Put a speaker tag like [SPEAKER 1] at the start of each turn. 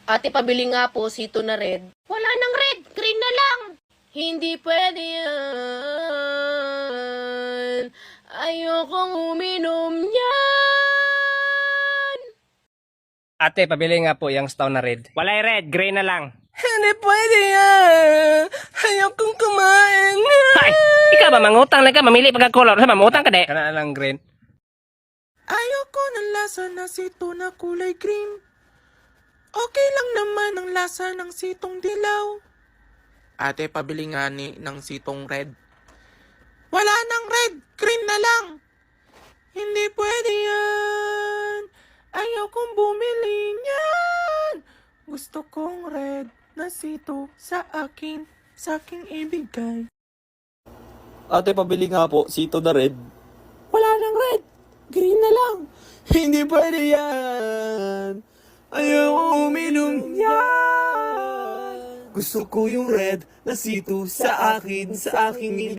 [SPEAKER 1] Ate, pabili nga po, sito na red. Wala nang red, green na lang. Hindi pwede yan. Ayokong uminom yan.
[SPEAKER 2] Ate, pabili nga po yung Stout na red. Walay red, gray na lang.
[SPEAKER 3] Hindi pwede yan. Ayokong kumain.
[SPEAKER 2] Hay! Ikaw ba mangutang na ka? Mamili pagka-color. Sa mamutang ka de? Kana lang green.
[SPEAKER 3] Ayoko ng lasa na sito na kulay green. Okay lang naman ang lasa ng sitong dilaw. Ate, pabili nga ng sitong red. Wala nang red, green na lang. Hindi pwede yan. Ayokong bumili niyan. Gusto kong red na sito sa akin, sa aking ibigay.
[SPEAKER 4] Ate, pabili nga po, sito na red. Wala nang red. Green na lang. Hindi pwede yan. Ayaw uminom yan. Gusto ko yung red na sito sa akin, sa aking